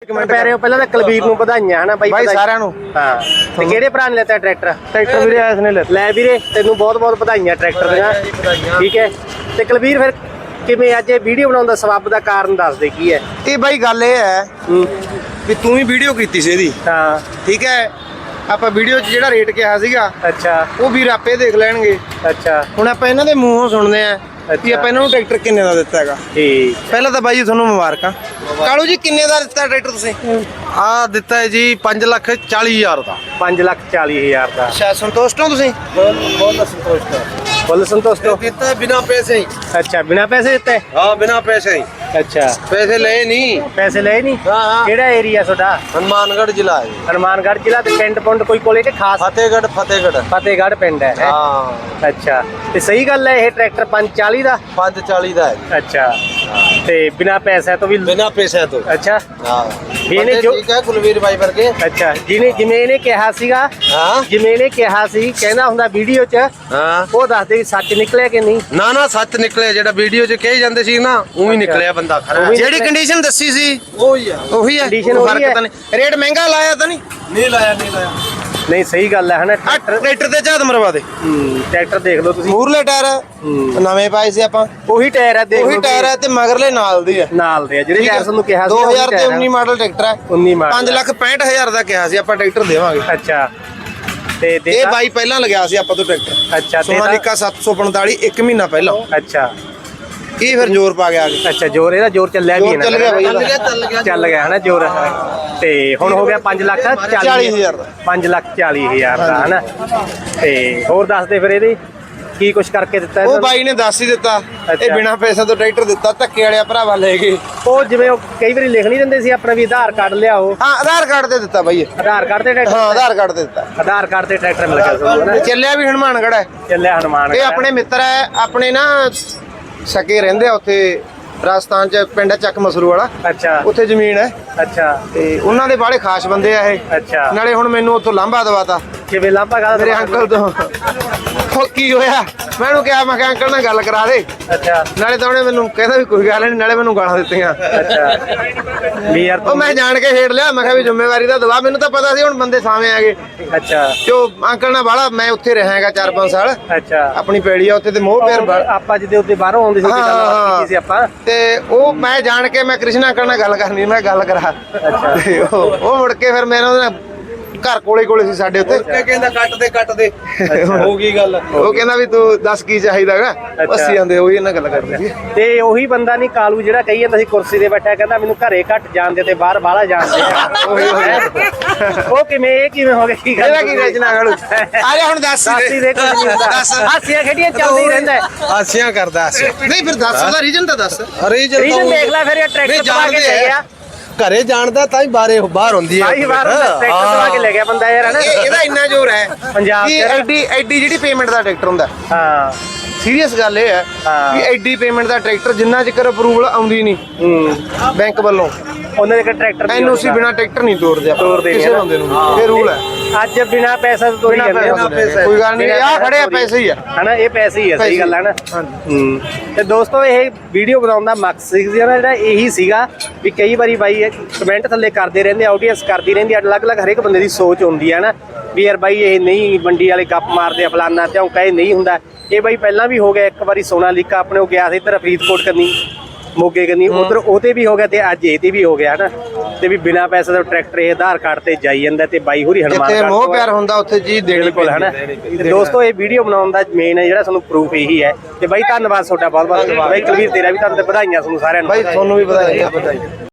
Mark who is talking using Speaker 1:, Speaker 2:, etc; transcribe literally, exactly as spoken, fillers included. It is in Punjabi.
Speaker 1: ਕਮੈਂਟ ਕਰ ਰਹੇ ਹੋ। ਪਹਿਲਾਂ ਤਾਂ ਕੁਲਵੀਰ ਨੂੰ ਵਧਾਈਆਂ ਹਨਾ ਬਾਈ
Speaker 2: ਬਾਈ ਸਾਰਿਆਂ ਨੂੰ।
Speaker 1: ਹਾਂ ਤੇ ਕਿਹੜੇ ਭਰਾ ਨੇ ਲੈਤਾ ਟਰੈਕਟਰ?
Speaker 2: ਟਰੈਕਟਰ ਵੀਰੇ ਐਸ ਨੇ ਲੈਤਾ।
Speaker 1: ਲੈ ਵੀਰੇ ਤੈਨੂੰ ਬਹੁਤ ਬਹੁਤ ਵਧਾਈਆਂ ਟਰੈਕਟਰ ਦੀਆਂ। ਠੀਕ ਹੈ ਤੇ ਕੁਲਵੀਰ ਫਿਰ ਕਿਵੇਂ ਅੱਜ ਇਹ ਵੀਡੀਓ ਬਣਾਉਣ ਦਾ ਸਬੱਬ ਦਾ ਕਾਰਨ ਦੱਸ ਦੇ ਕੀ ਹੈ?
Speaker 2: ਇਹ ਬਾਈ ਗੱਲ ਇਹ ਹੈ ਵੀ ਤੂੰ ਵੀ ਵੀਡੀਓ ਕੀਤੀ ਸੀ ਇਹਦੀ,
Speaker 1: ਹਾਂ
Speaker 2: ਠੀਕ ਹੈ। ਆਪਾਂ ਵੀਡੀਓ 'ਚ ਜਿਹੜਾ ਰੇਟ ਕਿਹਾ ਸੀਗਾ
Speaker 1: ਅੱਛਾ
Speaker 2: ਉਹ ਵੀਰ ਆਪੇ ਦੇਖ ਲੈਣਗੇ।
Speaker 1: ਅੱਛਾ
Speaker 2: ਹੁਣ ਆਪਾਂ ਇਹਨਾਂ ਦੇ ਮੂੰਹੋਂ ਸੁਣਦੇ ਆ ਕਿ ਆਪਾਂ ਇਹਨਾਂ ਨੂੰ ਟਰੈਕਟਰ ਕਿੰਨੇ ਦਾ ਦਿੱਤਾ ਹੈਗਾ।
Speaker 1: ਠੀਕ
Speaker 2: ਪਹਿਲਾਂ ਤਾਂ ਬਾਈ ਜੀ ਤੁਹਾਨੂੰ ਮੁਬਾਰਕਾਂ। ਕਾਲੂ ਜੀ ਕਿੰਨੇ ਦਾ ਦਿੱਤਾ ਟਰੈਕਟਰ ਤੁਸੀਂ?
Speaker 3: ਆ ਦਿੱਤਾ ਹੈ ਜੀ ਪੰਜ ਲੱਖ ਚਾਲੀ ਹਜ਼ਾਰ ਦਾ।
Speaker 1: ਪੰਜ ਲੱਖ ਚਾਲੀ ਹਜ਼ਾਰ ਦਾ।
Speaker 2: ਅੱਛਾ ਸੰਤੁਸ਼ਟ ਹੋ ਤੁਸੀਂ?
Speaker 3: ਬਹੁਤ ਸੰਤੁਸ਼ਟ ਹੈ।
Speaker 1: ਫੁੱਲ ਸੰਤੁਸ਼ਟ ਹੋ?
Speaker 3: ਦਿੱਤਾ ਬਿਨਾ ਪੈਸੇ ਹੀ।
Speaker 1: ਅੱਛਾ ਬਿਨਾ ਪੈਸੇ ਦਿੱਤੇ?
Speaker 3: ਹਾਂ ਬਿਨਾ ਪੈਸੇ ਹੀ।
Speaker 1: ਅੱਛਾ
Speaker 3: ਪੈਸੇ ਲਏ ਨਹੀਂ।
Speaker 1: ਪੈਸੇ ਲਏ ਨਹੀਂ?
Speaker 3: ਹਾਂ ਹਾਂ।
Speaker 1: ਕਿਹੜਾ ਏਰੀਆ ਤੁਹਾਡਾ?
Speaker 3: ਹਨੂਮਾਨਗੜ੍ਹ ਜ਼ਿਲ੍ਹਾ ਹੈ।
Speaker 1: ਹਨੂਮਾਨਗੜ੍ਹ ਜ਼ਿਲ੍ਹਾ ਤੇ ਪਿੰਡ ਪੁੰਡ ਕੋਈ ਕੋਲੇ ਕਿ ਖਾਸ?
Speaker 3: ਫਤਿਹਗੜ੍ਹ ਫਤਿਹਗੜ੍ਹ
Speaker 1: ਫਤਿਹਗੜ੍ਹ ਪਿੰਡ ਹੈ। ਹੈਂ?
Speaker 3: ਹਾਂ
Speaker 1: ਅੱਛਾ ਤੇ ਸਹੀ ਗੱਲ ਹੈ ਇਹ ਟਰੈਕਟਰ ਪੰਜ ਚਾਲੀ ਦਾ?
Speaker 3: ਪੰਜ ਚਾਲੀ ਦਾ ਹੈ ਜੀ।
Speaker 1: ਅੱਛਾ ਤੇ ਬਿਨਾ ਪੈਸੇ ਤੋਂ ਵੀ?
Speaker 3: ਬਿਨਾ ਪੈਸੇ ਤੋਂ।
Speaker 1: ਅੱਛਾ
Speaker 3: ਹਾਂ
Speaker 1: ਵੀ ਇਹਨੇ
Speaker 3: ਬੰਦੇ
Speaker 1: ਜੋ-
Speaker 3: ਠੀਕ ਹੈ ਕੁਲਵੀਰ ਬਾਈ ਵਰਗੇ।
Speaker 1: ਅੱਛਾ ਜਿਹਨੇ ਜਿਵੇਂ ਇਹਨੇ ਕਿਹਾ ਸੀਗਾ,
Speaker 3: ਹਾਂ
Speaker 1: ਜਿਵੇਂ ਇਹਨੇ ਕਿਹਾ ਸੀ ਕਹਿੰਦਾ ਹੁੰਦਾ ਵੀਡੀਓ 'ਚ,
Speaker 3: ਹਾਂ
Speaker 1: ਉਹ ਦੱਸਦੇ ਵੀ ਸੱਚ ਨਿਕਲਿਆ ਕਿ ਨਹੀਂ?
Speaker 3: ਨਾ ਨਾ ਸੱਚ ਨਿਕਲਿਆ ਜਿਹੜਾ ਵੀਡੀਓ 'ਚ ਕਹੀ ਜਾਂਦੇ ਸੀ ਨਾ ਉਹੀ ਨਿਕਲਿਆ ਬੰਦਾ ਖਰਾ।
Speaker 1: ਉਹੀ
Speaker 2: ਜਿਹੜੀ ਕੰਡੀਸ਼ਨ ਦੱਸੀ ਸੀ
Speaker 3: ਉਹੀ ਆ।
Speaker 2: ਉਹੀ ਹੈ।
Speaker 1: Condition
Speaker 2: ਕੋਈ
Speaker 1: ਉਹੀ
Speaker 2: ਫਰਕ
Speaker 1: ਹੈ।
Speaker 2: ਤਾਂ ਨਹੀਂ। ਰੇਟ ਮਹਿੰਗਾ ਲਾਇਆ ਤਾਂ ਨਹੀਂ?
Speaker 3: ਨਹੀਂ ਲਾਇਆ ਨਹੀਂ ਲਾਇਆ।
Speaker 1: ਨਹੀਂ ਸਹੀ ਗੱਲ ਹੈ ਹਨਾ।
Speaker 2: ਆ
Speaker 1: ਟਰੈਕਟਰ
Speaker 2: ਟਰੈਕਟਰ ਤੇ ਝਾਤ ਮਰਵਾ ਦੇ।
Speaker 1: ਹੂੰ, ਟਰੈਕਟਰ ਦੇਖ ਲਓ ਤੁਸੀਂ,
Speaker 2: ਮੂਰਲੇ ਟਾਇਰ
Speaker 1: ਹੂੰ।
Speaker 2: ਨਵੇਂ ਪਾਏ ਸੀ ਆਪਾਂ।
Speaker 1: ਉਹੀ ਟਾਇਰ ਹੈ ਦੇਖ
Speaker 2: ਉਹੀ
Speaker 1: ਲਓ
Speaker 2: ਟਾਇਰ ਹੈ ਤੇ ਮਗਰਲੇ ਨਾਲ ਦੀ ਹੈ।
Speaker 1: ਨਾਲ ਦੇ ਆ ਜਿਹੜੇ
Speaker 2: ਠੀਕ ਹੈ।
Speaker 1: ਟਾਇਰ ਤੁਹਾਨੂੰ ਕਿਹਾ ਸੀ
Speaker 2: ਦੋ ਹਜ਼ਾਰ ਤੇ ਉੱਨੀ ਮਾਡਲ ਟਰੈਕਟਰ ਹੈ।
Speaker 1: ਉੱਨੀ ਮਾਡਲ
Speaker 2: ਪੰਜ ਲੱਖ ਪੈਂਹਠ ਹਜ਼ਾਰ ਦਾ ਕਿਹਾ ਸੀ ਆਪਾਂ ਟਰੈਕਟਰ ਦੇਵਾਂਗੇ।
Speaker 1: ਅੱਛਾ ਤੇ
Speaker 2: ਇਹ
Speaker 1: ਦੇਤਾ?
Speaker 2: ਬਾਈ ਪਹਿਲਾਂ ਲਗਿਆ ਸੀ ਆਪਾਂ ਤੋਂ ਟਰੈਕਟਰ।
Speaker 1: ਅੱਛਾ ਦੇਤਾ?
Speaker 2: ਸੋਨਾਲੀਕਾ ਸੱਤ ਸੌ ਪੰਤਾਲੀ ਇੱਕ ਮਹੀਨਾ ਪਹਿਲਾਂ।
Speaker 1: ਅੱਛਾ
Speaker 2: ਇਹ ਫਿਰ ਜ਼ੋਰ ਪਾ ਗਿਆ ਅੱਗੇ।
Speaker 1: ਅੱਛਾ ਜ਼ੋਰ ਇਹਦਾ ਜ਼ੋਰ ਚੱਲਿਆ ਵੀ ਹੈ
Speaker 2: ਜ਼ੋਰ
Speaker 1: ਨਾ?
Speaker 2: ਚੱਲ ਗਿਆ ਬਾਈ
Speaker 3: ਚੱਲ ਗਿਆ
Speaker 2: ਇਹਦਾ।
Speaker 3: ਚੱਲ ਗਿਆ
Speaker 1: ਚੱਲ ਗਿਆ ਹਨਾ ਜ਼ੋਰ। ਤੇ ਹੁਣ ਹੋ ਗਿਆ ਪੰਜ ਲੱਖ
Speaker 2: ਚਾਲੀ ਹਜ਼ਾਰ ਦਾ।
Speaker 1: ਪੰਜ ਲੱਖ ਚਾਲੀ ਹਜ਼ਾਰ ਦਾ ਹਨਾ। ਤੇ ਹੋਰ ਦੱਸ ਦੇ ਫਿਰ ਇਹਦੇ ਕੀ ਕੁਛ ਕਰਕੇ ਦਿੱਤਾ
Speaker 2: ਉਹ
Speaker 1: ਇਹਨਾਂ ਨੂੰ?
Speaker 2: ਬਾਈ ਨੇ ਦੱਸ ਹੀ ਦਿੱਤਾ। ਇਹ
Speaker 1: ਅੱਛਾ।
Speaker 2: ਬਿਨਾ ਪੈਸੇ ਤੋਂ ਟਰੈਕਟਰ ਦਿੱਤਾ। ਧੱਕੇ ਵਾਲਿਆ ਭਰਾਵਾ ਲੈ ਗਏ।
Speaker 1: ਉਹ ਜਿਵੇਂ ਉਹ ਕਈ ਵਾਰੀ ਲਿਖ ਨਹੀਂ ਦਿੰਦੇ ਸੀ ਆਪਣਾ ਵੀ ਆਧਾਰ ਕਾਰਡ ਲਿਆਓ,
Speaker 2: ਹਾਂ ਆਧਾਰ ਕਾਰਡ ਤੇ ਦਿੱਤਾ ਬਾਈ ਇਹ।
Speaker 1: ਆਧਾਰ ਕਾਰਡ ਤੇ ਟਰੈਕਟਰ?
Speaker 2: ਹਾਂ ਆਧਾਰ ਕਾਰਡ ਤੇ ਦਿੱਤਾ।
Speaker 1: ਆਧਾਰ ਕਾਰਡ ਤੇ ਟਰੈਕਟਰ ਮਿਲ ਗਿਆ ਤੁਹਾਨੂੰ ਹਨਾ?
Speaker 2: ਚੱਲਿਆ ਵੀ ਹਨੂਮਾਨਗੜ੍ਹ ਹੈ।
Speaker 1: ਚੱਲਿਆ ਹਨੂਮਾਨ।
Speaker 2: ਇਹ ਆਪਣੇ ਮਿੱਤਰ ਹੈ। ਆਪਣੇ ਨਾ ਸਕੇ ਰਹਿੰਦੇ ਆ ਉੱਥੇ ਰਾਜਸਥਾਨ ਚ ਪਿੰਡ ਹੈ ਚੱਕ ਮਸਰੂ ਵਾਲਾ।
Speaker 1: ਅੱਛਾ
Speaker 2: ਉੱਥੇ ਜ਼ਮੀਨ ਹੈ
Speaker 1: ਅੱਛਾ
Speaker 2: ਤੇ ਉਹਨਾਂ ਦੇ ਬਾੜੇ ਖਾਸ ਬੰਦੇ ਆ ਇਹ।
Speaker 1: ਅੱਛਾ
Speaker 2: ਨਾਲੇ ਹੁਣ ਮੈਨੂੰ ਉੱਥੋਂ ਲਾਂਭਾ ਦਵਾਤਾ
Speaker 1: ਕਿਵੇਂ ਲਾਂਭਾ ਗਾ
Speaker 2: ਮੇਰੇ ਅੰਕਲ ਤੋਂ। ਉਹ ਕੀ ਹੋਇਆ ਮੈਂ ਉਹਨੂੰ ਕਿਹਾ ਮੈਂ ਕਿਹਾ ਅੰਕਲ ਨਾਲ ਗੱਲ ਕਰਾ ਦੇ।
Speaker 1: ਅੱਛਾ
Speaker 2: ਨਾਲੇ ਤਾਂ ਉਹਨੇ ਮੈਨੂੰ ਕਹਿੰਦਾ ਵੀ ਕੋਈ ਗੱਲ ਨਹੀਂ, ਨਾਲੇ ਮੈਨੂੰ ਗਾਲਾਂ ਦਿੱਤੀਆਂ।
Speaker 1: ਅੱਛਾ ਵੀ ਯਾਰ
Speaker 2: ਉਹ ਮੈਂ ਜਾਣ ਕੇ ਛੇੜ ਲਿਆ। ਮੈਂ ਕਿਹਾ ਵੀ ਜ਼ਿੰਮੇਵਾਰੀ ਦਾ ਦਵਾ। ਮੈਨੂੰ ਤਾਂ ਪਤਾ ਸੀ ਹੁਣ ਬੰਦੇ ਸਾਵੇਂ ਆ ਗਏ।
Speaker 1: ਅੱਛਾ
Speaker 2: ਜੋ ਅੰਕਲ ਨਾਲ ਬਾਲਾ ਮੈਂ ਉੱਥੇ ਰਹਾਂਗਾ ਚਾਰ ਪੰਜ ਸਾਲ।
Speaker 1: ਅੱਛਾ
Speaker 2: ਆਪਣੀ ਪੈੜੀ ਆ ਉੱਥੇ ਤੇ ਮੋਹ ਪਿਆਰ ਬਾ-
Speaker 1: ਆਪਾਂ ਜਿਹਦੇ ਉੱਤੇ ਬਾਹਰੋਂ ਆਉਂਦੇ ਸੀ ਤੇ ਗੱਲਬਾਤ ਕੀਤੀ ਸੀ ਆਪਾਂ।
Speaker 2: ਤੇ ਉਹ ਮੈਂ ਜਾਣ ਕੇ ਮੈਂ ਕ੍ਰਿਸ਼ਨ ਅੰਕਲ ਨਾਲ ਗੱਲ ਕਰਨੀ। ਮੈਂ ਗੱਲ ਕਰਾ ਤੇ ਉਹ ਉਹ ਮੁੜ ਕੇ ਫਿਰ ਮੈਂ ਉਹਦੇ ਨਾਲ ਘਰ ਕੋਲੇ ਕੋਲੇ ਸੀ ਸਾਡੇ ਉੱਤੇ।
Speaker 3: ਇਹ ਕਹਿੰਦਾ ਕੱਟ ਦੇ ਕੱਟ ਦੇ ਹੋ ਗਈ ਗੱਲ।
Speaker 2: ਉਹ ਕਹਿੰਦਾ ਵੀ ਤੂੰ ਦੱਸ ਕੀ ਚਾਹੀਦਾਗਾ। ਅਸੀਂ ਜਾਂਦੇ ਉਹੀ ਇਹਨਾਂ ਗੱਲ ਕਰਦੇ ਸੀ।
Speaker 1: ਤੇ ਉਹੀ ਬੰਦਾ ਨਹੀਂ ਕਾਲੂ ਜਿਹੜਾ ਕਹੀ ਜਾਂਦਾ ਸੀ ਕੁਰਸੀ ਤੇ ਬੈਠਾ ਕਹਿੰਦਾ ਮੈਨੂੰ ਘਰੇ ਘੱਟ ਜਾਣਦੇ ਤੇ ਬਾਹਰ ਬਾਹਲਾ ਜਾਣਦੇ ਆ।
Speaker 2: ਉਹੀ ਉਹੀ
Speaker 1: ਉਹ ਕਿਵੇਂ ਇਹ ਕਿਵੇਂ ਹੋ ਗਿਆ? ਕੀ ਗੱਲ
Speaker 2: ਇਹਦਾ ਕੀ ਰਚਨਾ ਗਾਲੂ ਆ ਜਾ ਹੁਣ ਦੱਸ
Speaker 1: ਸਾਸੀ ਦੇ ਕੁਝ ਨਹੀਂ ਹੁੰਦਾ।
Speaker 2: ਦੱਸ।
Speaker 1: ਹਾਸੀਆਂ ਖੇਡੀਆਂ ਚੱਲਦਾ ਹੀ ਰਹਿੰਦਾ ਹੈ।
Speaker 3: ਹਾਸਿਆਂ ਕਰਦਾ ਹਾਸਿਆਂ।
Speaker 2: ਨਹੀਂ ਫਿਰ ਦੱਸ ਉਹਦਾ ਰੀਜਨ ਤਾਂ ਦੱਸ।
Speaker 3: ਅਰੇ ਜਦ
Speaker 1: ਰੀਜਨ ਦੇਖ ਲੈ ਫਿਰ ਇਹ ਟਰੈਕਟਰ ਦਵਾ ਕੇ ਲੈ ਗਿਆ।
Speaker 3: ਘਰੇ ਜਾਣਦਾ ਤਾਂ ਹੀ ਬਾਹਰੇ ਬਾਹਰ ਹੁੰਦੀ ਹੈ।
Speaker 1: ਭਾਈ ਬਾਹਰ ਟਰੈਕਟਰ ਦਵਾ ਕੇ ਲੈ ਗਿਆ ਬੰਦਾ ਯਾਰ ਹਨਾ।
Speaker 2: ਇਹ- ਇਹਦਾ ਇੰਨਾ ਜ਼ੋਰ ਹੈ
Speaker 1: ਪੰਜਾਬ
Speaker 2: ਕਿ
Speaker 1: ਚ।
Speaker 2: ਐਡੀ ਐਡੀ ਜਿਹੜੀ ਪੇਮੈਂਟ ਦਾ ਟਰੈਕਟਰ ਹੁੰਦਾ।
Speaker 1: ਹਾਂ
Speaker 2: ਸੀਰੀਅਸ ਗੱਲ ਇਹ ਹੈ
Speaker 1: ਹਾਂ।
Speaker 2: ਕਿ ਐਡੀ ਪੇਮੈਂਟ ਦਾ ਟਰੈਕਟਰ ਜਿੰਨਾ ਚਿਰ ਅਪਰੂਵਲ ਆਉਂਦੀ ਨਹੀਂ
Speaker 1: ਹੂੰ
Speaker 2: ਬੈਂਕ ਵੱਲੋਂ
Speaker 1: ਉਹਨਾਂ ਦੇ ਟਰੈਕਟਰ
Speaker 2: ਐਨ ਓ ਸੀ ਬਿਨਾ ਟਰੈਕਟਰ ਨਹੀਂ ਤੋਰਦੇ ਆਪਾਂ
Speaker 1: ਤੋਰਦੇ ਨੀ
Speaker 2: ਕਿਸੇ
Speaker 1: ਨਾ।
Speaker 2: ਬੰਦੇ ਨੂੰ। ਇਹ ਰੂਲ ਹੈ।
Speaker 1: ਅੱਜ ਬਿਨਾ ਪੈਸਾ ਤੋਂ ਤੋਰੀ ਜਾਂਦੇ
Speaker 2: ਬਿਨਾਂ ਪੈਸੇ। ਕੋਈ ਗੱਲ ਨਹੀਂ। ਆਹ ਖੜੇ ਆ ਪੈਸੇ ਹੀ ਆ
Speaker 1: ਹਨਾ। ਇਹ ਪੈਸੇ ਹੀ ਆ ਸਹੀ ਗੱਲ ਹੈ ਨਾ। ਹੂੰ ਤੇ ਦੋਸਤੋ ਇਹ ਵੀਡੀਓ ਬਣਾਉਣ ਦਾ ਮਕਸਦ ਸੀ ਜਿਹੜਾ ਇਹੀ ਸੀਗਾ ਵੀ ਕਈ ਵਾਰੀ ਬਾਈ ਕਮੈਂਟ ਥੱਲੇ ਕਰਦੇ ਰਹਿੰਦੇ, ਆਡੀਅנס ਕਰਦੀ ਰਹਿੰਦੀ, ਅਲੱਗ-ਅਲੱਗ ਹਰੇਕ ਬੰਦੇ ਦੀ ਸੋਚ ਹੁੰਦੀ ਹੈ ਨਾ ਵੀ ਯਾਰ ਬਾਈ ਇਹ ਨਹੀਂ ਮੰਡੀ ਵਾਲੇ ਗੱਪ ਮਾਰਦੇ ਆ ਫਲਾਨਾ ਤੇ ਕਹੇ ਨਹੀਂ ਹੁੰਦਾ। ਇਹ ਬਾਈ ਪਹਿਲਾਂ ਵੀ ਹੋ ਗਿਆ ਇੱਕ ਵਾਰੀ ਸੋਨਾਲੀਕਾ ਆਪਣੇ ਉਹ ਗਿਆ ਸੀ ਇੱਧਰ ਫਰੀਦਕੋਟ ਕਰਨੀ ਮੋਗੇ ਕਰਨੀ ਉਧਰ ਉਹਤੇ ਵੀ ਹੋ ਗਿਆ ਤੇ ਅੱਜ ਇਹ ਤੇ ਵੀ ਹੋ ਗਿਆ ਹਨਾ। ਤੇ ਵੀ ਬਿਨਾ ਪੈਸੇ ਦਾ ਟਰੈਕਟਰ ਇਹ ਆਧਾਰ ਕਾਰਡ ਤੇ ਜਾਈ ਜਾਂਦਾ ਤੇ ਬਾਈ ਹੋਰੀ ਹਨੂਮਾਨ
Speaker 2: ਜਿੱਥੇ ਮੋਹ ਪਿਆਰ ਹੁੰਦਾ ਉੱਥੇ ਚੀਜ਼ ਦੇਣੀ
Speaker 1: ਬਿਲਕੁਲ ਹਨਾ। ਤੇ ਦੋਸਤੋ ਇਹ ਵੀਡੀਓ ਬਣਾਉਣ ਦਾ ਮੇਨ ਜਿਹੜਾ ਤੁਹਾਨੂੰ ਪ੍ਰੂਫ ਇਹੀ ਹੈ। ਤੇ ਬਾਈ ਧੰਨਵਾਦ ਤੁਹਾਡਾ ਬਹੁਤ ਬਹੁਤ। ਬਾਈ ਕੁਲਵੀਰ ਤੇਰਾ ਵੀ ਤੁਹਾਨੂੰ ਵਧਾਈਆਂ ਤੁਹਾਨੂੰ ਸਾਰਿਆਂ ਨੂੰ।
Speaker 2: ਬਾਈ ਤੁਹਾਨੂੰ ਵੀ ਵਧਾਈ।